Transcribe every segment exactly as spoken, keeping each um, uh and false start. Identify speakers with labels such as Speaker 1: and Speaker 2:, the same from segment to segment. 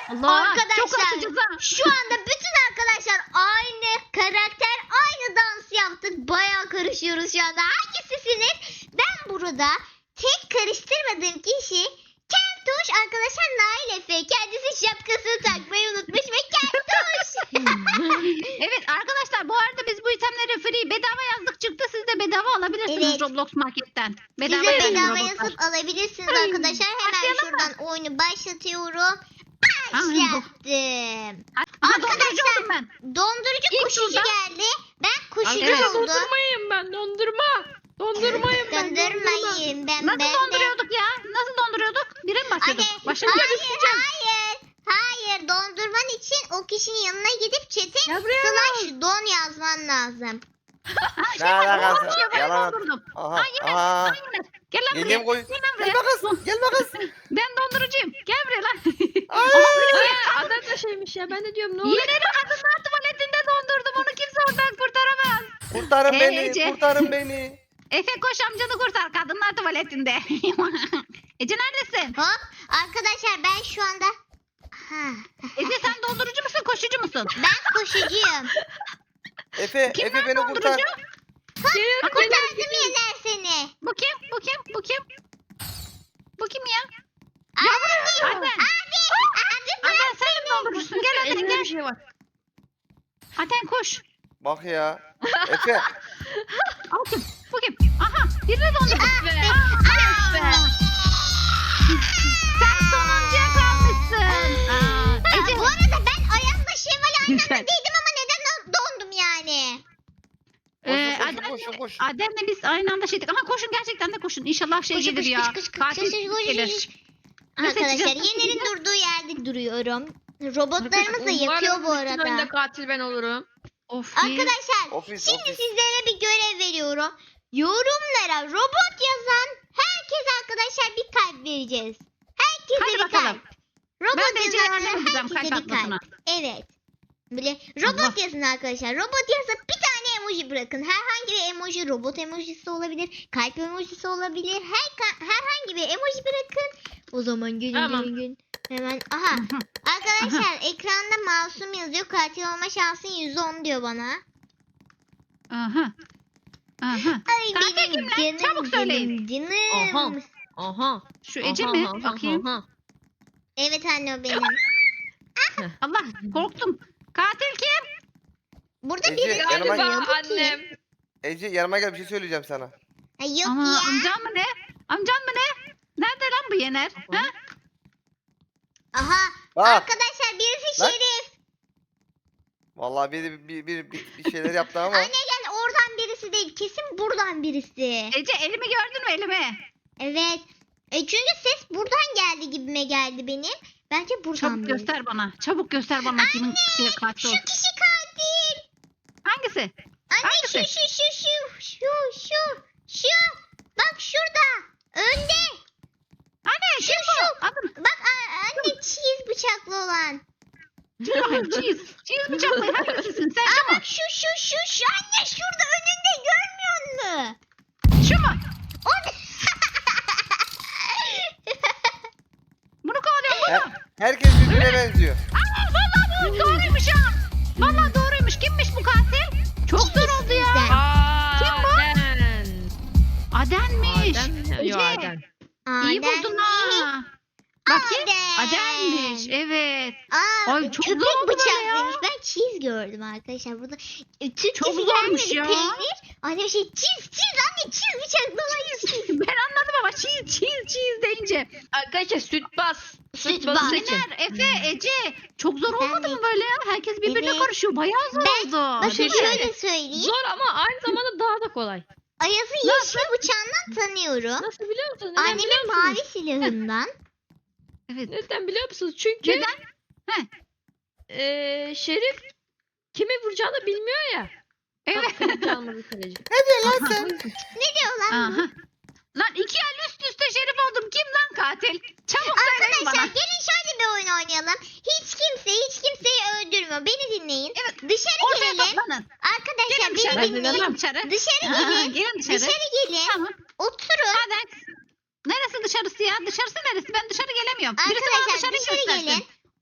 Speaker 1: Allah, çok
Speaker 2: Arkadaşlar
Speaker 1: açacağız ha.
Speaker 2: şu anda bütün arkadaşlar aynı karakter, aynı dans yaptık. Bayağı karışıyoruz şu anda. Hangisisiniz? Ben burada tek karıştırmadığım kişi Keltoş, arkadaşlar Nail Efe. Kendisi şapkasını takmayı unutmuş ve Keltoş.
Speaker 1: Evet arkadaşlar, bu arada biz bu itemleri free bedava yazdık, çıktı. Siz de bedava alabilirsiniz
Speaker 2: Evet.
Speaker 1: Roblox marketten.
Speaker 2: Siz
Speaker 1: Bedava
Speaker 2: de
Speaker 1: yazın
Speaker 2: bedava
Speaker 1: Roblox'tan.
Speaker 2: yazıp alabilirsiniz
Speaker 1: Ay,
Speaker 2: arkadaşlar. Hemen
Speaker 1: başlayalım mı?
Speaker 2: şuradan oyunu başlatıyorum.
Speaker 1: Ay,
Speaker 2: Başlattım.
Speaker 1: Aha, dondurucu oldum ben.
Speaker 2: Dondurucu
Speaker 1: İlk
Speaker 2: koşucu
Speaker 1: turda-
Speaker 2: geldi. Ben koşucu
Speaker 1: Evet.
Speaker 2: oldum.
Speaker 3: Dondurmayım ben dondurma. Dondurmayım ben dondurma.
Speaker 2: Dondurmayın ben
Speaker 1: Nasıl
Speaker 2: ben de.
Speaker 1: donduruyorduk ya? Nasıl donduruyorduk? Bire mi başladık?
Speaker 2: Hayır,
Speaker 1: Başladık.
Speaker 2: hayır, hayır. Hayır, dondurman için o kişinin yanına gidip chat'e
Speaker 3: Ya buraya
Speaker 2: slash don yazman lazım.
Speaker 1: Ha, şey
Speaker 4: Ne
Speaker 1: var,
Speaker 4: alakası?
Speaker 1: dondurucu yapayım,
Speaker 4: Yalan.
Speaker 1: dondurdum.
Speaker 4: Aha.
Speaker 1: Ha Yener,
Speaker 4: Aha.
Speaker 1: ha Yener. Gel lan buraya.
Speaker 4: Geleyim koy.
Speaker 1: Gel lan buraya.
Speaker 4: Gelme kız. Gelme kız.
Speaker 1: Ben dondurucuyum. Gel buraya lan.
Speaker 3: Aa, adam da şeymiş ya ben de diyorum ne oluyor?
Speaker 1: Yener'i kadınlar tuvaletinde dondurdum. Onu kimse oradan kurtaramaz.
Speaker 4: Kurtarın
Speaker 1: Ee,
Speaker 4: beni.
Speaker 1: Ece.
Speaker 4: Kurtarın beni.
Speaker 1: Efe koş, amcanı kurtar. Kadınlar tuvaletinde. Ece neredesin?
Speaker 2: Hop, arkadaşlar ben şu anda... Ha,
Speaker 1: Ece sen dondurucu musun, koşucu musun?
Speaker 2: ben koşucuyum.
Speaker 4: Efe.
Speaker 1: Kim
Speaker 4: Efe
Speaker 1: lan
Speaker 4: beni kurtar.
Speaker 1: dondurucu?
Speaker 3: Geliyorum
Speaker 2: Kurtardım Yener seni.
Speaker 1: Bu kim? Bu kim? Bu kim? Bu kim ya?
Speaker 2: Abi,
Speaker 1: Adem.
Speaker 2: abi, abi bırak.
Speaker 1: Adem sen de dondurucusun. Gel Adem
Speaker 3: Elimde
Speaker 1: gel.
Speaker 3: bir şey var.
Speaker 1: Adem koş.
Speaker 4: Bak ya. Efe.
Speaker 1: Al kim? Bu kim? Aha, birini dondurdum.
Speaker 2: Ah be,
Speaker 1: Aa,
Speaker 2: ah be.
Speaker 1: Sen sonuncuya kalmışsın. Aa,
Speaker 2: Aa,
Speaker 1: Ece.
Speaker 2: bu arada ben Ayaz'la Şevval aynı anda
Speaker 1: Güzel.
Speaker 2: değildim ama neden dondum yani?
Speaker 1: Ee,
Speaker 4: Koşun,
Speaker 1: Adem'le,
Speaker 4: koşun, koşun.
Speaker 1: Adem'le biz aynı anda şeydik. Ama koşun, gerçekten de koşun. İnşallah şey
Speaker 2: Koş,
Speaker 1: gelir
Speaker 2: koş,
Speaker 1: ya.
Speaker 2: koş, koş, koş,
Speaker 1: Katil
Speaker 2: koş, koş, koş,
Speaker 1: gelir.
Speaker 2: koş.
Speaker 1: Ne
Speaker 2: Arkadaşlar
Speaker 1: seçeceğiz?
Speaker 2: Yener'in durduğu yerde duruyorum. Robotlarımız da
Speaker 3: Umarım
Speaker 2: yapıyor bu
Speaker 3: bütün önde
Speaker 2: arada.
Speaker 3: katil ben olurum.
Speaker 1: Of.
Speaker 2: Arkadaşlar
Speaker 4: Ofis,
Speaker 2: şimdi
Speaker 4: ofis.
Speaker 2: sizlere bir görev veriyorum. Yorumlara robot yazan herkese arkadaşlar bir kalp vereceğiz. Herkese
Speaker 1: Hadi
Speaker 2: bir
Speaker 1: bakalım.
Speaker 2: kalp. Robot
Speaker 1: Ben de Ece'ye
Speaker 2: yazanlara
Speaker 1: yardım edeceğim
Speaker 2: herkese
Speaker 1: kalp
Speaker 2: bir kalp.
Speaker 1: atmasına.
Speaker 2: Evet. Böyle robot
Speaker 1: Allah.
Speaker 2: yazın arkadaşlar. Robot yazıp bir tane emoji bırakın. Herhangi bir emoji, robot emojisi olabilir, kalp emojisi olabilir. Her ka- herhangi bir emoji bırakın. O zaman gelin
Speaker 3: Tamam.
Speaker 2: gelin gelin. Hemen aha. Arkadaşlar ekranda masum yazıyor. Katil olma şansın yüzde on diyor bana.
Speaker 1: Aha. Aha.
Speaker 2: Ay
Speaker 1: Katil
Speaker 2: benim
Speaker 1: kim lan?
Speaker 2: canım
Speaker 1: Çabuk söyleyin.
Speaker 2: canım
Speaker 3: Aha.
Speaker 2: canım.
Speaker 3: Aha.
Speaker 1: Şu Ece mi? Bakayım.
Speaker 3: Aha.
Speaker 2: Evet anne o benim.
Speaker 1: Allah, korktum. Katil kim?
Speaker 2: Burada
Speaker 4: Ece,
Speaker 2: biri
Speaker 4: yanıma
Speaker 3: Galiba
Speaker 2: yazıyor. Bu kim?
Speaker 3: annem.
Speaker 4: Ece yanıma gel bir şey söyleyeceğim sana.
Speaker 2: Ay yok
Speaker 1: Ama
Speaker 2: ya.
Speaker 1: amcam mı ne? Amcam mı ne? Nerede lan bu Yener? Ha?
Speaker 2: Aha.
Speaker 4: Bak.
Speaker 2: Arkadaşlar birisi
Speaker 4: Lan.
Speaker 2: şerif.
Speaker 4: Vallahi bir bir bir, bir, bir şeyler yaptı ama.
Speaker 2: Anne gel oradan birisi değil. Kesin buradan birisi.
Speaker 1: Ece elimi gördün mü, elimi?
Speaker 2: Evet. E çünkü ses buradan geldi gibime geldi benim. Bence buradan
Speaker 1: Çabuk
Speaker 2: birisi.
Speaker 1: göster bana. Çabuk göster bana kimin şey katil
Speaker 2: Şu
Speaker 1: ol.
Speaker 2: kişi katil.
Speaker 1: Hangisi?
Speaker 2: Anne
Speaker 1: Hangisi?
Speaker 2: şu şu şu şu şu şu şu. Bak şurada. Önde.
Speaker 1: Anne
Speaker 2: Şu
Speaker 1: kim
Speaker 2: şu.
Speaker 1: bu? Adım.
Speaker 2: Bak a- anne cheese bıçaklı olan.
Speaker 1: Dur bakayım, cheese. Cheese bıçaklı hangisisin sen?
Speaker 2: Aa
Speaker 1: Şu mu?
Speaker 2: bak şu şu şu şu anne şurada önünde görmüyor musun?
Speaker 1: Şu mu?
Speaker 2: O ne?
Speaker 1: Bunu kovalıyorum bunu.
Speaker 4: Her- herkes birbirine benziyor.
Speaker 1: Aa, vallahi bu doğruymuş ha. Vallahi doğruymuş. Kimmiş bu katil? Çok zor oldu ya.
Speaker 2: Sizden.
Speaker 1: Kim bu?
Speaker 3: Aden.
Speaker 1: Adenmiş.
Speaker 3: Aden. Yo
Speaker 1: Ece,
Speaker 3: Aden.
Speaker 1: İyi
Speaker 2: Adem
Speaker 1: buldun
Speaker 2: mi?
Speaker 1: ha. Bakayım.
Speaker 2: Adem.
Speaker 1: Adenmiş. Evet.
Speaker 2: Aa,
Speaker 1: Ay, çok
Speaker 2: köpek
Speaker 1: zor oldu böyle
Speaker 2: bıçaklıymış.
Speaker 1: ya.
Speaker 2: Ben cheese gördüm arkadaşlar. Burada e, Türkçesi
Speaker 1: Çok zormuş
Speaker 2: gelmedi
Speaker 1: ya.
Speaker 2: peynir. Anne bir şey cheese cheese anne cheese bıçaklı olan cheese.
Speaker 1: Ben anladım ama cheese cheese cheese deyince.
Speaker 3: Arkadaşlar süt bas.
Speaker 2: Süt
Speaker 3: Süt
Speaker 2: bas.
Speaker 3: bas seçin.
Speaker 1: Yener, Efe, Ece. Çok zor olmadı
Speaker 2: Ben de-
Speaker 1: mı böyle ya? Herkes birbirine
Speaker 2: Evet.
Speaker 1: karışıyor. Bayağı zor
Speaker 2: Ben-
Speaker 1: oldu.
Speaker 2: Bakın
Speaker 3: Değil mi?
Speaker 2: şöyle söyleyeyim.
Speaker 3: Zor ama aynı zamanda daha da kolay.
Speaker 2: Ayaz'ı yeşil bıçağından tanıyorum.
Speaker 3: Nasıl biliyor musunuz? Neden biliyor
Speaker 2: Annemin
Speaker 3: musunuz?
Speaker 2: mavi silahından.
Speaker 1: Evet.
Speaker 3: Neden biliyor musunuz? Çünkü
Speaker 1: Neden? Heh.
Speaker 3: eee Şerif kimi vuracağını bilmiyor ya.
Speaker 1: Evet.
Speaker 3: Aferin canımızı kaleci.
Speaker 4: Ne diyorsun lan sen?
Speaker 2: Ne diyor lan bu?
Speaker 1: Aha. Lan iki el üst üste şerif oldum. Kim lan katil? Çabuk söyleyin
Speaker 2: Arkadaşlar
Speaker 1: bana.
Speaker 2: gelin şöyle bir oyun oynayalım. Hiç kimse hiç kimseyi öldürmüyor. Beni dinleyin.
Speaker 1: Evet.
Speaker 2: Dışarı
Speaker 1: Ortaya
Speaker 2: gelin.
Speaker 1: toplanın.
Speaker 2: Arkadaşlar
Speaker 1: Gelin dışarı.
Speaker 2: beni dinleyin.
Speaker 1: Gelin dışarı.
Speaker 2: Dışarı
Speaker 1: Aha,
Speaker 2: gelin.
Speaker 1: gelin dışarı.
Speaker 2: Dışarı gelin.
Speaker 1: Tamam.
Speaker 2: Oturun.
Speaker 1: Hadi. Neresi dışarısı ya? Dışarısı neresi? Ben dışarı gelemiyorum. Birisi bana
Speaker 2: Arkadaşlar
Speaker 1: dışarı
Speaker 2: dışarı
Speaker 1: göstersin.
Speaker 2: gelin.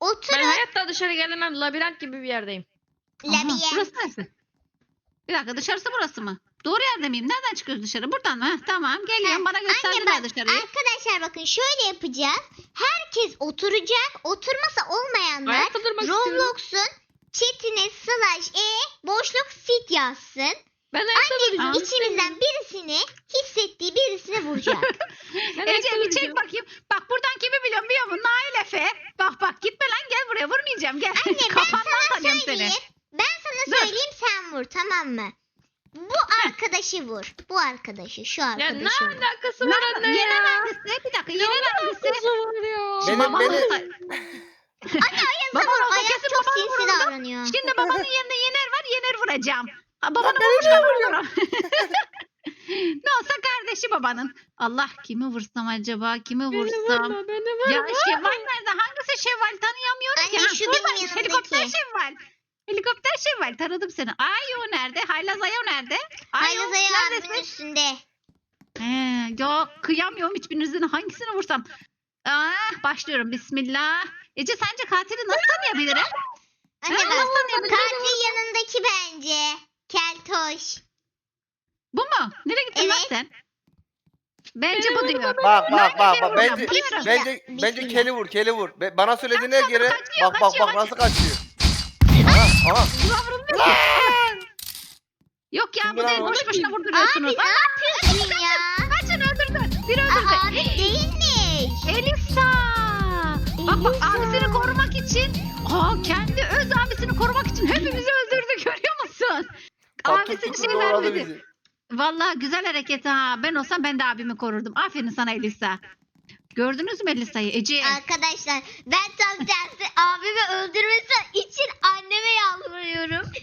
Speaker 2: Oturun.
Speaker 3: Ben hayatta dışarı gelemem. Labirent gibi bir yerdeyim.
Speaker 1: Aha,
Speaker 2: Labirent.
Speaker 1: burası neresi? Bir dakika dışarısı burası mı? Doğru yerde miyim? Nereden çıkıyoruz dışarı? Buradan mı? Heh, tamam geliyorum. Bana
Speaker 2: Anne
Speaker 1: gösterdiler
Speaker 2: bak
Speaker 1: dışarıyı.
Speaker 2: arkadaşlar bakın şöyle yapacağız. Herkes oturacak. Oturmasa olmayanlar
Speaker 3: Ayakta durmak istiyorum.
Speaker 2: Roblox'un chatine slash e boşluk fit yazsın.
Speaker 3: Ben ayakta duracağım.
Speaker 2: İçimizden birisini hissettiği birisine vuracak.
Speaker 3: Ben
Speaker 1: Ece
Speaker 3: ayakta
Speaker 1: bir çek
Speaker 3: duracağım.
Speaker 1: bakayım. Bak buradan kimi biliyorum biliyor musun? Nail Efe. Bak bak gitme lan gel buraya vurmayacağım gel.
Speaker 2: Anne ben
Speaker 1: Kafandan
Speaker 2: sana
Speaker 1: tanıyorum seni.
Speaker 2: söyleyeyim. Ben sana
Speaker 1: Dur.
Speaker 2: söyleyeyim sen vur tamam mı? Bu arkadaşı vur. Bu arkadaşı şu
Speaker 3: Ya ne
Speaker 2: arkadaşı vur.
Speaker 3: alakası var
Speaker 1: Nerede?
Speaker 3: anne
Speaker 1: Yenen
Speaker 3: ya?
Speaker 1: hangisi? Bir dakika
Speaker 3: Ne
Speaker 1: yenen hangisi?
Speaker 3: alakası var ya?
Speaker 4: Benim-
Speaker 1: Babanın
Speaker 4: benim-
Speaker 1: da-
Speaker 2: Anne Ayaz
Speaker 1: Baban
Speaker 2: vur.
Speaker 1: olsa
Speaker 2: Ayaz
Speaker 1: kesin
Speaker 2: çok
Speaker 1: babanı
Speaker 2: sinsi
Speaker 1: vururdu.
Speaker 2: davranıyor.
Speaker 1: Şimdi babanın yerine Yener var. Yener vuracağım. Ha, babanı vurmuşlar vuruyorum. Ne olsa kardeşi babanın. Allah kimi vursam acaba? Kimi
Speaker 3: Beni
Speaker 1: vursam?
Speaker 3: vurma beni vurma.
Speaker 1: Ya Şevval nerede? Hangisi Şevval? Tanıyamıyorum ki.
Speaker 2: Anne,
Speaker 1: Ha,
Speaker 2: şu
Speaker 1: buradaymış.
Speaker 2: benim
Speaker 1: Helikopter
Speaker 2: yanımdaki.
Speaker 1: Şevval. Helikopter Şevval. Tanıdım seni. Ayo nerede? Haylaz Ayo nerede? Ayo
Speaker 2: Ayaz Ayaz
Speaker 1: neredesin?
Speaker 2: abimin üstünde.
Speaker 1: He, ya kıyamıyorum hiçbirinizin hangisini vursam. Ah, başlıyorum. Bismillah. Ece sence katili nasıl tanıyabilirim?
Speaker 2: Anne
Speaker 1: Ha,
Speaker 2: bak
Speaker 1: nasıl tanıyabilirim?
Speaker 2: katil yanındaki bence. Keltoş.
Speaker 1: Bu mu? Nereye gittin lan
Speaker 2: Evet.
Speaker 1: sen? Bence bu diyor.
Speaker 4: Bak bak bak bak.
Speaker 1: Bence-
Speaker 4: Bence
Speaker 2: Bismillah,
Speaker 4: bence bence
Speaker 2: bismillah.
Speaker 4: keli vur keli vur. Be- Bana söylediğine
Speaker 1: Kaçıyor,
Speaker 4: göre
Speaker 1: kaçıyor,
Speaker 4: bak bak
Speaker 1: kaçıyor,
Speaker 4: bak nasıl kaçıyor. Aha aha.
Speaker 1: Yavrum ne? Yok ya
Speaker 4: Kim
Speaker 1: bu
Speaker 4: lan
Speaker 1: değil.
Speaker 4: o?
Speaker 1: Boş boşuna
Speaker 2: Abi
Speaker 1: vurduruyorsunuz.
Speaker 2: ne yapıyorsun ya?
Speaker 1: Kaçın öldürdü. Biri
Speaker 2: Aa,
Speaker 1: öldürdü.
Speaker 2: abi değilmiş.
Speaker 1: Elisa. Bak bak
Speaker 2: Elisa.
Speaker 1: abisini korumak için. Aa kendi öz abisini korumak için hepimizi öldürdü görüyor musun?
Speaker 4: Patır
Speaker 1: Abisi bir
Speaker 4: kütür
Speaker 1: şey
Speaker 4: doğradı
Speaker 1: vermedi.
Speaker 4: bizi.
Speaker 1: Vallahi güzel hareket ha. Ben olsam ben de abimi korurdum. Aferin sana Elisa. Gördünüz mü Elisa'yı? Ece.
Speaker 2: Arkadaşlar ben tam tersi abimi öldürmesi için anneme yalvarıyorum.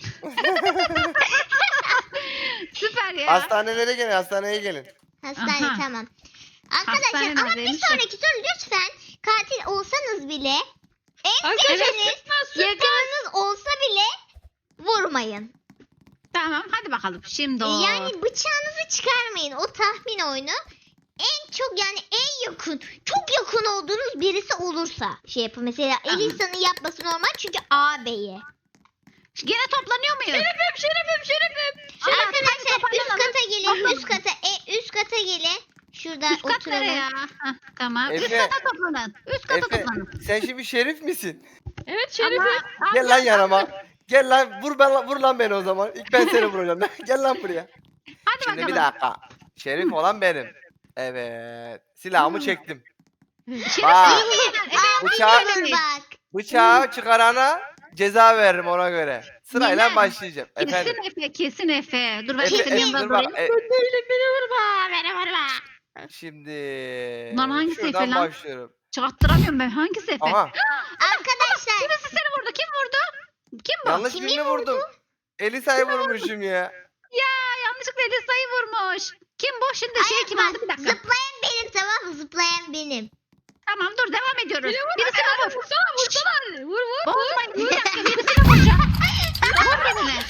Speaker 1: Süper ya.
Speaker 4: Hastanelere gelin hastaneye gelin.
Speaker 2: Hastane
Speaker 1: Aha.
Speaker 2: tamam. Arkadaşlar
Speaker 1: Hastane
Speaker 2: ama bir
Speaker 1: neredeymiş?
Speaker 2: sonraki soru lütfen katil olsanız bile en
Speaker 3: Arkadaşlar
Speaker 2: sevdiğiniz
Speaker 3: sıkma sıkma.
Speaker 2: yakınınız olsa bile vurmayın.
Speaker 1: Tamam hadi bakalım. Şimdi o.
Speaker 2: Yani bıçağınızı çıkarmayın. O tahmin oyunu. En çok yani en yakın, çok yakın olduğunuz birisi olursa şey yapın. Mesela Elisa'nın yapması normal çünkü ağabeyi.
Speaker 1: Gene toplanıyor muyuz?
Speaker 3: Şerefim şerefim şerefim.
Speaker 1: Şeref,
Speaker 2: Arkadaşlar
Speaker 1: hadi
Speaker 2: üst
Speaker 1: toparlanalım.
Speaker 2: kata gelin, üst kata, e, üst kata gelin. Şurada
Speaker 1: Üst kat
Speaker 2: oturalım.
Speaker 1: nereye ya? Hah, tamam. Üst
Speaker 4: Efe.
Speaker 1: kata toplanın. Üst kata
Speaker 4: Efe
Speaker 1: toplanın.
Speaker 4: sen şimdi şerif misin?
Speaker 3: Evet şerefim.
Speaker 1: Ama-
Speaker 4: Gel lan yanıma. Gel lan vur ben vur lan beni o zaman. İlk ben seni vuracağım. Gel lan buraya.
Speaker 1: Hadi
Speaker 4: Şimdi
Speaker 1: bakalım.
Speaker 4: bir dakika. Şerif olan benim. Evet. Silahımı çektim.
Speaker 1: Şeref
Speaker 4: Aa.
Speaker 1: iyi mi Yener? Efe
Speaker 4: Bıçağı-
Speaker 1: yalan
Speaker 2: Dur
Speaker 1: söylemiş.
Speaker 2: bak.
Speaker 4: Bıçağı çıkarana ceza veririm ona göre. Sırayla
Speaker 1: Yener.
Speaker 4: başlayacağım. Efendim.
Speaker 1: Kesin Efe, kesin Efe. Dur ben
Speaker 4: Efe,
Speaker 1: Efe'nin
Speaker 4: Efe,
Speaker 1: yanında
Speaker 4: dur bak.
Speaker 1: durayım.
Speaker 4: E,
Speaker 3: Ben değilim beni vurma. Beni vurma.
Speaker 4: şimdi
Speaker 1: Lan hangisi Efe
Speaker 4: şuradan
Speaker 1: lan?
Speaker 4: başlıyorum.
Speaker 1: Çattıramıyorum ben. Hangisi Efe?
Speaker 4: Aha.
Speaker 2: Arkadaşlar
Speaker 1: Birisi seni vurdu. Kim vurdu? Kim bu?
Speaker 4: Yanlış
Speaker 2: Kimi
Speaker 4: birini vurdum. Elisa'yı vurmuşum ya.
Speaker 1: Ya yanlışlıkla Elisa'yı vurmuş. Kim bu? Şimdi şey
Speaker 2: Ay,
Speaker 1: kim
Speaker 2: bak,
Speaker 1: aldı? Bir dakika.
Speaker 2: zıplayan benim tamam mı? Zıplayan benim.
Speaker 1: Tamam dur devam ediyoruz.
Speaker 3: Beni vurma.
Speaker 1: Birisine
Speaker 3: Hadi
Speaker 1: vur.
Speaker 3: vursana vursana. Vur vur.
Speaker 1: Bozmayın. Bir dakika birisine vuracağım. Vur birini.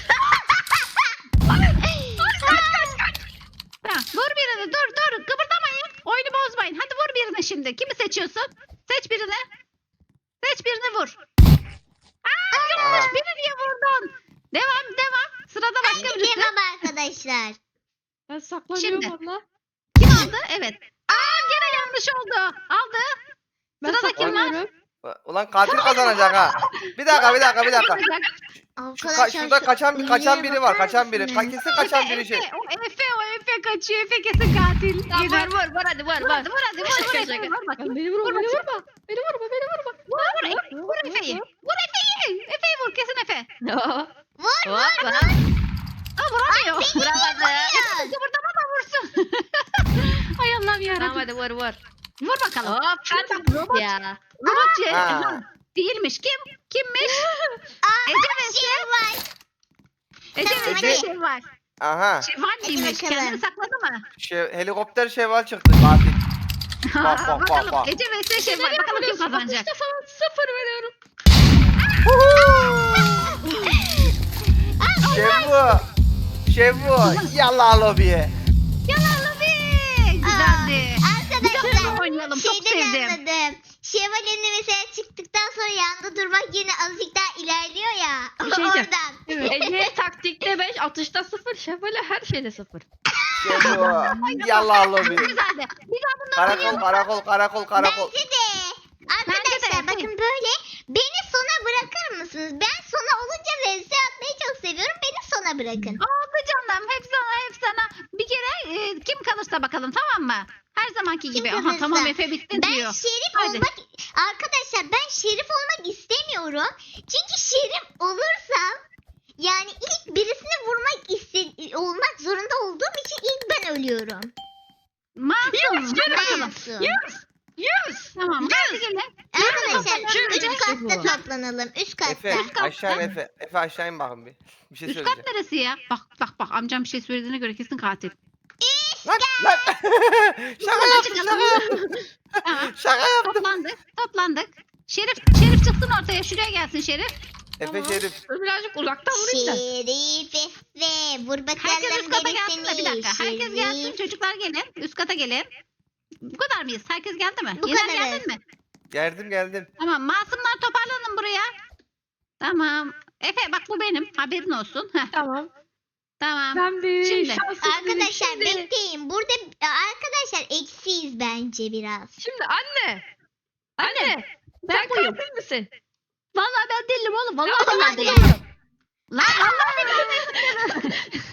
Speaker 1: Tamam, vur birini. Dur dur. Kıpırdamayın. Oyunu bozmayın. Hadi vur birini şimdi. Kimi seçiyorsun? Seç birini. Seç birini vur. Aa, yanlış.
Speaker 4: Aha.
Speaker 1: Biri niye vurdun? Devam devam. Sırada başka birisi.
Speaker 2: Devam arkadaşlar.
Speaker 3: Ben saklanıyorum
Speaker 1: Şimdi.
Speaker 3: abla.
Speaker 1: Kim aldı? Evet. Aa gene yanlış oldu. Aldı.
Speaker 3: Ben
Speaker 1: Sırada kim var?
Speaker 3: saklanıyorum.
Speaker 4: Ulan katil kazanacak ha. Bir dakika bir dakika bir dakika. Şu ka-
Speaker 2: Arkadaşlar
Speaker 4: şurada
Speaker 2: şu
Speaker 4: kaçan kaçan
Speaker 2: ünlüye
Speaker 4: biri var.
Speaker 2: bakar
Speaker 4: Kaçan biri.
Speaker 2: mısınız?
Speaker 4: Ka- Kesin kaçan biri şey.
Speaker 1: Efe, o Efe, o Efe kaçıyor. Efe kesin katil.
Speaker 3: Tamam,
Speaker 1: Yener.
Speaker 3: vur vur vur hadi vur
Speaker 1: Vur
Speaker 3: vur.
Speaker 1: hadi, vur hadi, vur, vur
Speaker 3: Şaka,
Speaker 1: Efe,
Speaker 3: şaka.
Speaker 1: vur bakayım.
Speaker 3: Beni vurma
Speaker 1: Vur
Speaker 3: beni
Speaker 1: bakayım.
Speaker 3: vurma. Beni vurma beni vurma.
Speaker 1: Vur, vur, Efe, vur Efe'yi. Vur Efe'yi. Efe'yi vur, kesin Efe.
Speaker 2: Vur vur
Speaker 3: Hop,
Speaker 2: vur.
Speaker 1: Aa, vuramıyor.
Speaker 3: Vuramadı.
Speaker 1: Efe kıpırdama da vursun. Ay Allah'ım
Speaker 3: Tamam
Speaker 1: yarabbim.
Speaker 3: hadi vur vur.
Speaker 1: Vur bakalım.
Speaker 3: Hop
Speaker 1: Şimdi
Speaker 3: hadi.
Speaker 1: robot,
Speaker 3: Ya.
Speaker 1: robot şey,
Speaker 4: Ha.
Speaker 1: ha, değilmiş. Kim? Kimmiş?
Speaker 2: Aa,
Speaker 1: Ece
Speaker 2: bak,
Speaker 1: ve
Speaker 2: şey var.
Speaker 1: Ece
Speaker 2: Tamam,
Speaker 1: ve
Speaker 4: Ece-
Speaker 1: şey var.
Speaker 4: Aha.
Speaker 1: Şevval miymiş?
Speaker 2: bakalım.
Speaker 1: Kendini sakladı mı?
Speaker 4: Şey, helikopter şeval çıktı katil. Bak, bak, bak,
Speaker 1: bakalım.
Speaker 4: bak.
Speaker 1: Ece ve Şevval. Bakalım kim kazanacak.
Speaker 3: Sıfır, sıfır veriyorum.
Speaker 4: Şevu. Şevu. Yallah lobiye.
Speaker 1: Yalan be. Güzeldi.
Speaker 2: Aa, arkadaşlar
Speaker 1: oynayalım. Çok
Speaker 2: şeyden
Speaker 1: sevdim.
Speaker 2: anladım. şövalyenin mesela çıktıktan sonra yanında durmak yerine azıcık daha ilerliyor ya.
Speaker 3: Bir şey diyeceğim.
Speaker 2: Oradan.
Speaker 3: Ece taktikte beş, atışta sıfır, şefale her şeyde sıfır.
Speaker 4: İşte bu. Yallah lobi.
Speaker 1: Çok güzeldi. Bir daha bunu
Speaker 4: Karakol karakol karakol karakol.
Speaker 2: Bence de. Arkadaşlar
Speaker 1: Bence de.
Speaker 2: bakın böyle beni sona bırakır mısınız? Ben sona olunca vs atmayı çok seviyorum. Beni sona bırakın.
Speaker 1: oldu canım. Hep sana hep sana. Bir kere e, kim kalırsa bakalım, tamam mı? Her zamanki gibi. Aha
Speaker 2: kalırsa.
Speaker 1: tamam, Efe bittin
Speaker 2: Ben
Speaker 1: diyor.
Speaker 2: şerif
Speaker 1: Hadi.
Speaker 2: olmak arkadaşlar ben şerif olmak istemiyorum. Çünkü şerif olursam yani ilk birisini vurmak iste olmak zorunda olduğum için ilk ben ölüyorum.
Speaker 1: Masum. Hadi bakalım.
Speaker 2: Masum.
Speaker 3: Yes! Yes!
Speaker 1: Tamam. Hadi gelin.
Speaker 2: Arkadaşlar
Speaker 3: Şöyle
Speaker 2: üst
Speaker 3: bir
Speaker 2: katta
Speaker 3: şey bu.
Speaker 2: toplanalım. Üst katta.
Speaker 4: Efe
Speaker 1: katta.
Speaker 4: aşağı in Efe. Efe aşağı in bakın bir. Bir şey
Speaker 1: Üst
Speaker 4: söyleyeceğim.
Speaker 1: kat neresi ya? Bak bak bak, amcam bir şey söylediğine göre kesin katil.
Speaker 4: Lan lan. Şaka yaptım şaka yaptım.
Speaker 1: Tamam.
Speaker 4: Şaka yaptım.
Speaker 1: Toplandık. Toplandık. Şerif, Şerif çıksın ortaya. Şuraya gelsin Şerif.
Speaker 4: Efe Şerif.
Speaker 3: Dur birazcık uzaktan vurayım da.
Speaker 2: Şerif Efe. Vur bakalım
Speaker 1: Herkes üst kata gelsin de bir
Speaker 2: gerisini.
Speaker 1: dakika. Herkes gelsin,
Speaker 2: Şerif.
Speaker 1: çocuklar gelin. Üst kata gelin. Bu kadar mıyız? Herkes geldi mi?
Speaker 2: Bu
Speaker 1: Yener
Speaker 2: kadarız.
Speaker 1: geldin mi?
Speaker 4: Geldim geldim.
Speaker 1: Tamam. Masumlar toparlanın buraya. Tamam. Efe bak, bu benim. Haberin olsun. Heh,
Speaker 3: Tamam.
Speaker 1: tamam.
Speaker 3: Ben bir
Speaker 1: Şimdi.
Speaker 3: şanssız
Speaker 2: Arkadaşlar
Speaker 3: biriyim. Şimdi,
Speaker 2: bekleyin. Burada arkadaşlar eksiyiz bence biraz.
Speaker 3: şimdi anne. Anne.
Speaker 1: Ben
Speaker 3: Sen
Speaker 1: buyum.
Speaker 3: katil misin?
Speaker 1: Vallahi ben değilim oğlum. Vallahi
Speaker 2: Tamam,
Speaker 1: ben
Speaker 2: hadi.
Speaker 1: değilim. Lan vallahi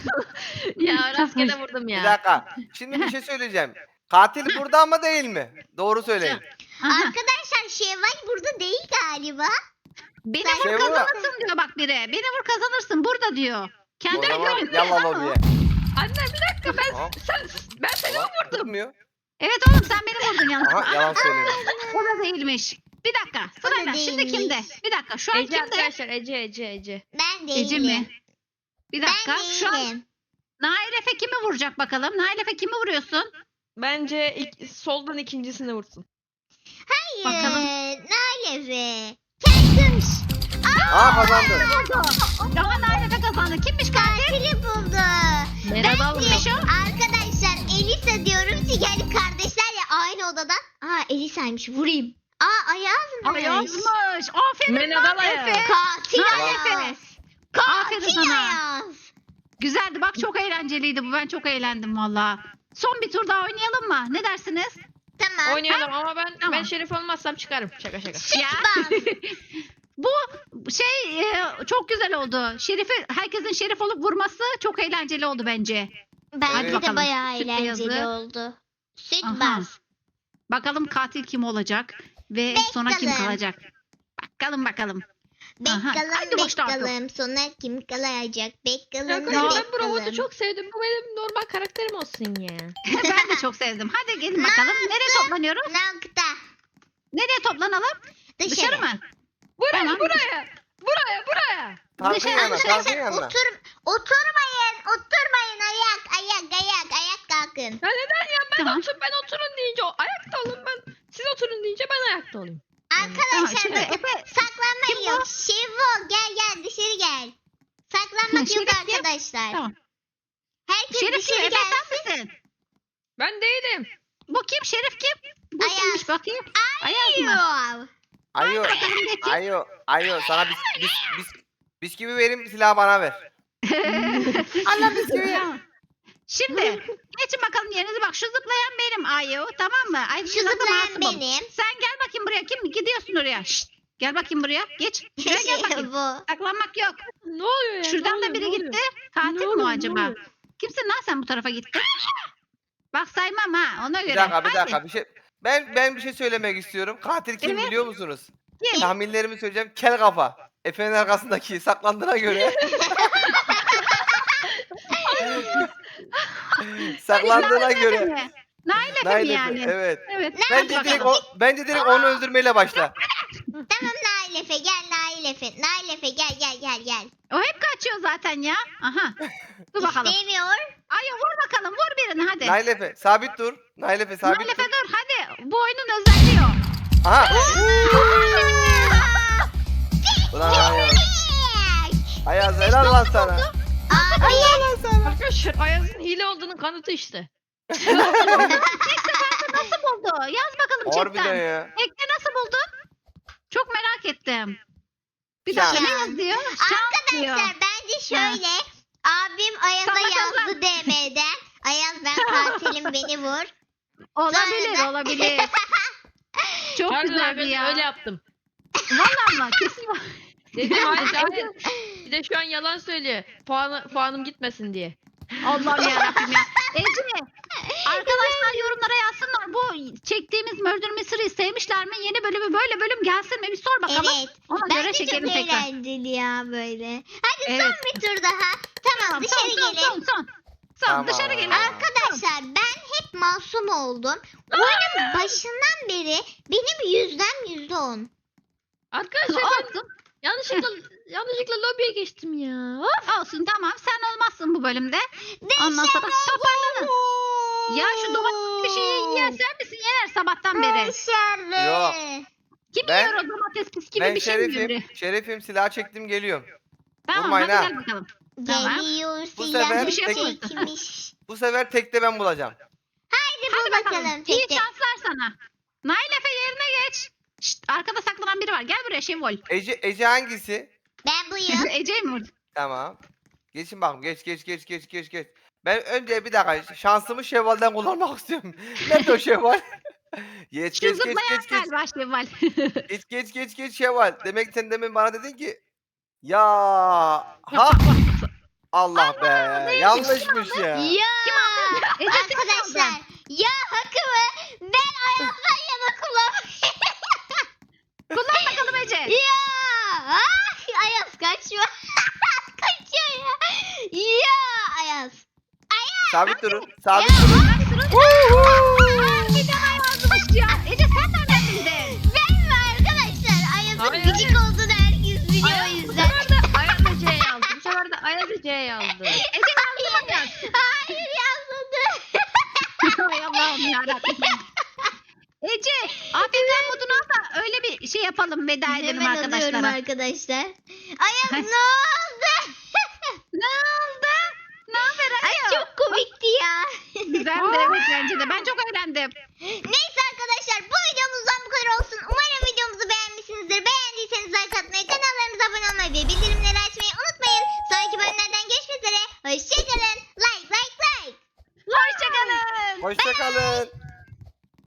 Speaker 3: Ya rastgele vurdum
Speaker 4: Bir
Speaker 3: ya.
Speaker 4: dakika. Şimdi bir şey söyleyeceğim. Katil burada ama değil mi? Doğru söyleyin.
Speaker 1: Aha,
Speaker 2: Arkadaşlar Şevval burada değil galiba.
Speaker 1: beni
Speaker 2: Sen-
Speaker 1: vur
Speaker 4: Şey bu.
Speaker 1: kazanırsın diyor bak biri. Beni vur kazanırsın burada diyor.
Speaker 4: O
Speaker 1: Kendi
Speaker 4: zaman
Speaker 1: görün.
Speaker 4: yallah lobiye.
Speaker 3: Anne bir dakika ben
Speaker 4: Tamam.
Speaker 3: sen ben seni mi
Speaker 4: Tamam,
Speaker 3: vurdum?
Speaker 4: Tutmuyor.
Speaker 1: Evet oğlum, sen beni vurdun yalnız.
Speaker 4: Aha yalan söylüyor.
Speaker 1: O da değilmiş. Bir dakika sırayla. Şimdi
Speaker 2: değilmiş.
Speaker 1: kimde? Bir dakika şu an
Speaker 3: Ece
Speaker 1: kimde?
Speaker 3: arkadaşlar Ece Ece Ece.
Speaker 2: Ben değilim.
Speaker 1: Ece mi? Bir dakika.
Speaker 2: Ben
Speaker 1: Şu an
Speaker 2: değilim.
Speaker 1: Nail Efe kimi vuracak bakalım? Nail Efe kimi vuruyorsun?
Speaker 3: Bence ilk, soldan ikincisini vursun.
Speaker 2: Hayır.
Speaker 1: Bakalım.
Speaker 2: Nail Efe. Kendim.
Speaker 4: Aa kazandı.
Speaker 1: Vurdu. Ama Nail Efe kazandı. Kimmiş katil?
Speaker 2: Katili buldu.
Speaker 3: Merhaba
Speaker 2: Bence
Speaker 1: Kimmiş o?
Speaker 2: arkadaşlar Elisa diyorum çünkü hani kardeşler ya aynı odadan. Aa Elisa'ymış vurayım. Aa Ayaz'mış.
Speaker 1: Ayazmış. Aferin
Speaker 3: Merhaba
Speaker 1: lan
Speaker 3: Ayaz.
Speaker 1: Efe.
Speaker 2: Katil
Speaker 1: Nail
Speaker 2: Ayaz.
Speaker 1: Efe. Aferin
Speaker 2: Katil
Speaker 1: sana.
Speaker 2: Ayaz.
Speaker 1: Güzeldi bak, çok eğlenceliydi bu. Ben çok eğlendim valla. Son bir tur daha oynayalım mı? Ne dersiniz?
Speaker 2: Tamam.
Speaker 3: Oynayalım ama ben
Speaker 1: Tamam.
Speaker 3: ben şerif olmazsam çıkarım. Şaka şaka.
Speaker 1: Ya.
Speaker 2: Bas.
Speaker 1: Bu şey e, çok güzel oldu. Şerifi, herkesin şerif olup vurması çok eğlenceli oldu bence.
Speaker 2: Bence
Speaker 4: Evet.
Speaker 2: de
Speaker 1: Bakalım.
Speaker 2: bayağı
Speaker 1: Süt
Speaker 2: eğlenceli
Speaker 1: beyazı.
Speaker 2: oldu. Süt
Speaker 1: Aha.
Speaker 2: bas.
Speaker 1: Bakalım katil kim olacak ve sonra kim
Speaker 2: Bakalım.
Speaker 1: kalacak? Bakalım bakalım. Aha,
Speaker 2: Bakalım
Speaker 1: hadi başla artık.
Speaker 2: bakalım sonra kim kalacak? Bakalım
Speaker 3: Arkadaşlar ben bu robotu
Speaker 2: bakalım.
Speaker 3: çok sevdim. Bu benim normal karakterim olsun ya.
Speaker 1: Ben de çok sevdim. Hadi gelin bakalım. Nereye toplanıyoruz?
Speaker 2: Nokta.
Speaker 1: Nereye toplanalım?
Speaker 2: Dışarı.
Speaker 1: Dışarı mı?
Speaker 3: Buraya
Speaker 1: Tamam.
Speaker 3: buraya. Buraya buraya.
Speaker 4: Tankın
Speaker 1: Dışarı-
Speaker 4: yanına tankın
Speaker 2: Arkadaşlar
Speaker 4: yanına.
Speaker 2: otur, oturmayın oturmayın ayak ayak ayak ayak kalkın.
Speaker 3: Ya neden ya ben
Speaker 1: Tamam.
Speaker 3: otur ben oturun deyince o ayakta olun ben siz oturun deyince ben ayakta olayım.
Speaker 1: Tamam,
Speaker 2: Arkadaşlar
Speaker 1: şimdi
Speaker 2: bakın
Speaker 1: Efe,
Speaker 2: saklanmak
Speaker 1: kim bu?
Speaker 2: yok. Şevo gel gel dışarı gel. Saklanmak yok
Speaker 1: Şerif kim?
Speaker 2: arkadaşlar.
Speaker 1: Tamam.
Speaker 2: Herkes
Speaker 1: Şerif kim?
Speaker 2: dışarı
Speaker 1: Efe
Speaker 2: gelsin.
Speaker 1: sen misin?
Speaker 3: Ben değilim.
Speaker 1: Bu kim? Şerif kim? Bu
Speaker 2: Ayaz.
Speaker 1: kimmiş bakayım? Ayaz mı?
Speaker 2: Yok.
Speaker 4: Ayo.
Speaker 1: Bakalım geçin.
Speaker 4: Ayo. Ayo sana bis bis bis bis gibi vereyim silahı bana ver. Allah bisküvi.
Speaker 1: Tamam. Şimdi geçin bakalım yerinize, bak şu zıplayan benim Ayu, tamam mı? Ay,
Speaker 2: Şu
Speaker 1: şurada da
Speaker 2: zıplayan
Speaker 1: Masum'um.
Speaker 2: benim.
Speaker 1: Sen gel bakayım buraya, kim gidiyorsun oraya? Şşt, gel bakayım buraya, geç. Şuraya gel bakayım.
Speaker 2: Bu.
Speaker 1: Saklanmak yok.
Speaker 3: Ne oluyor ya?
Speaker 1: Şuradan
Speaker 3: ne
Speaker 1: da
Speaker 3: oluyor,
Speaker 1: biri
Speaker 3: ne
Speaker 1: gitti.
Speaker 3: oluyor?
Speaker 1: Katil
Speaker 3: Ne
Speaker 1: mi o
Speaker 3: oluyor, ne
Speaker 1: acaba?
Speaker 3: oluyor?
Speaker 1: Kimsin lan sen bu tarafa gitti? Bak saymam ha, ona göre.
Speaker 4: Bir dakika bir
Speaker 1: Hadi.
Speaker 4: dakika bir şey. Ben ben bir şey söylemek istiyorum. Katil kim
Speaker 1: Evet.
Speaker 4: biliyor musunuz?
Speaker 1: Kim?
Speaker 4: Tahminlerimi söyleyeceğim. Kel kafa. Efe'nin arkasındaki saklandığına göre. saklandığına
Speaker 1: Nail Efe
Speaker 4: göre.
Speaker 1: mi? Nail Efe mi
Speaker 4: Nail Efe,
Speaker 1: yani?
Speaker 4: evet.
Speaker 1: Evet.
Speaker 4: Bence
Speaker 1: hadi
Speaker 4: direkt,
Speaker 1: bakalım.
Speaker 4: o, bence direkt onu öldürmeyle başla.
Speaker 2: Tamam Nail Efe gel Nail Efe. Nail Efe gel gel gel gel.
Speaker 1: O hep kaçıyor zaten ya. Aha. Dur bakalım.
Speaker 2: İstemiyor.
Speaker 1: Ayu vur bakalım, vur birini hadi.
Speaker 4: Nail Efe sabit dur. Nail Efe sabit
Speaker 1: Nail Efe
Speaker 4: dur.
Speaker 1: dur hadi. Bu oyunun özelliği o.
Speaker 4: Aha. Ulan Ayaz. Ayaz helal lan sana.
Speaker 2: Abi.
Speaker 3: Arkadaşlar Ayaz'ın hile olduğunun kanıtı işte.
Speaker 1: Nasıl buldu? Yaz bakalım
Speaker 4: Harbiden
Speaker 1: chatten.
Speaker 4: ya.
Speaker 1: Ekle nasıl buldun? Çok merak ettim. Bir
Speaker 4: Şans.
Speaker 1: dakika ne yazıyor? Şans diyor.
Speaker 2: Arkadaşlar bence şöyle. Abim Ayaz'a
Speaker 1: Sana
Speaker 2: yazdı D M'den. Ayaz ben katilim beni vur.
Speaker 1: Olabilir
Speaker 2: Sonra da-
Speaker 1: olabilir. Çok
Speaker 3: Pardon
Speaker 1: güzeldi
Speaker 3: arkadaşlar
Speaker 1: ya.
Speaker 3: öyle yaptım.
Speaker 1: Vallahi mı? Kesin var.
Speaker 3: Dedim hayır hayır. Bir de şu an yalan söylüyor. Puanı, puanım gitmesin diye.
Speaker 1: Allah'ım yarabbim ya. Ece, arkadaşlar yorumlara yazsınlar. Bu çektiğimiz Murder Mystery'yi sevmişler mi? Yeni bölümü böyle bölüm gelsin mi? Bir sor bakalım.
Speaker 2: Evet.
Speaker 1: Ona göre
Speaker 2: Bence çok
Speaker 1: çekelim tekrar.
Speaker 2: eğlenceli ya böyle. Hadi
Speaker 1: Evet.
Speaker 2: son bir tur daha. Tamam,
Speaker 1: Tamam,
Speaker 2: dışarı
Speaker 1: son, son,
Speaker 2: gelin.
Speaker 1: son, son. Son,
Speaker 4: Tamam.
Speaker 1: dışarı gelin.
Speaker 2: Arkadaşlar ben hep masum oldum. Oyunun başından beri benim yüzdem yüzde on.
Speaker 3: Arkadaşlar ben
Speaker 1: Olsun.
Speaker 3: yanlışlıkla yanlışlıkla lobiye geçtim ya. Of.
Speaker 1: Olsun tamam. Sen olmazsın bu bölümde. Ondan sonra toparlanın. Ya şu domates bir şeyi yiyen sen misin? Yener sabahtan beri.
Speaker 2: Başarı.
Speaker 4: Yok.
Speaker 1: Kim
Speaker 4: Ben-
Speaker 1: yiyor o domates pis gibi
Speaker 4: Ben
Speaker 1: bir şey mi
Speaker 4: şerifim.
Speaker 1: yiyor?
Speaker 4: Şerifim silah çektim geliyorum.
Speaker 1: Tamam
Speaker 4: Vurmayın
Speaker 1: hadi
Speaker 4: ha.
Speaker 1: gel bakalım. Tamam.
Speaker 2: Geliyor
Speaker 4: Bu sefer
Speaker 2: silahı
Speaker 1: bir şey yapalım.
Speaker 2: çekmiş.
Speaker 4: Bu sefer tekte ben bulacağım.
Speaker 2: Hadi
Speaker 1: Hadi
Speaker 2: bul
Speaker 1: bakalım.
Speaker 2: bakalım.
Speaker 1: İyi
Speaker 2: Tek tek.
Speaker 1: şanslar sana. Nail Efe yerine geç. Şşt, arkada saklanan biri var. Gel buraya Şevval.
Speaker 4: Ece, Ece hangisi?
Speaker 2: Ben buyum.
Speaker 1: Ece'yi mi vurdun?
Speaker 4: Tamam. Geçin bakalım. Geç geç geç geç geç geç. Ben önce bir dakika şansımı Şevval'den kullanmak istiyorum. Nerede o Şevval? Geç
Speaker 1: Şu
Speaker 4: geç geç
Speaker 1: zıplayan
Speaker 4: geç geç.
Speaker 1: galiba Şevval.
Speaker 4: Geç geç geç geç Şevval. Demek sen demin bana dedin ki ya ha Allah be yanlışmış ya.
Speaker 2: Ya
Speaker 1: Ece sen
Speaker 2: arkadaşlar
Speaker 1: aldın.
Speaker 2: ya hakkımı ben Ayaz'dan yana kullanmayayım.
Speaker 1: Kullan bakalım Ece.
Speaker 2: Ya ah, Ayaz kaçma. Kaçıyor ya. Ya Ayaz.
Speaker 4: Sabit durun. Sabit durun.
Speaker 1: Hadi durun. Aa, bir tane yazmış ya. Ece sen nereden bildin?
Speaker 2: Ben mi arkadaşlar? Ayaz'ın
Speaker 3: Hayır.
Speaker 2: gıcık olduğunu herkes biliyor o
Speaker 3: Ayaz, bu
Speaker 2: yüzden.
Speaker 3: sefer de Ayaz Ece'ye yazdı. Bu sefer de Ayaz Ece'ye yazdı.
Speaker 1: Ece yazdı mı yaz?
Speaker 2: Hayır yazmadı.
Speaker 1: Hay Allah'ım yarabbim. Ece, afiyetler modunu al da öyle bir şey yapalım veda edelim
Speaker 2: Hemen alıyorum
Speaker 1: arkadaşlara.
Speaker 2: arkadaşlar. Ayaz ne oldu?
Speaker 1: Ne oldu? Ne haber
Speaker 2: Ay
Speaker 1: Ayaz?
Speaker 2: çok komikti ya.
Speaker 1: Güzeldi evet bence de. Ben çok eğlendim.
Speaker 2: Neyse arkadaşlar bu videomuzdan bu kadar olsun. Umarım videomuzu beğenmişsinizdir. Beğendiyseniz like atmayı, kanallarımıza abone olmayı ve bildirimleri açmayı unutmayın. Sonraki bölümlerden görüşmek üzere. Hoşçakalın. Like like like.
Speaker 1: Hoşçakalın.
Speaker 4: Hoşça kalın.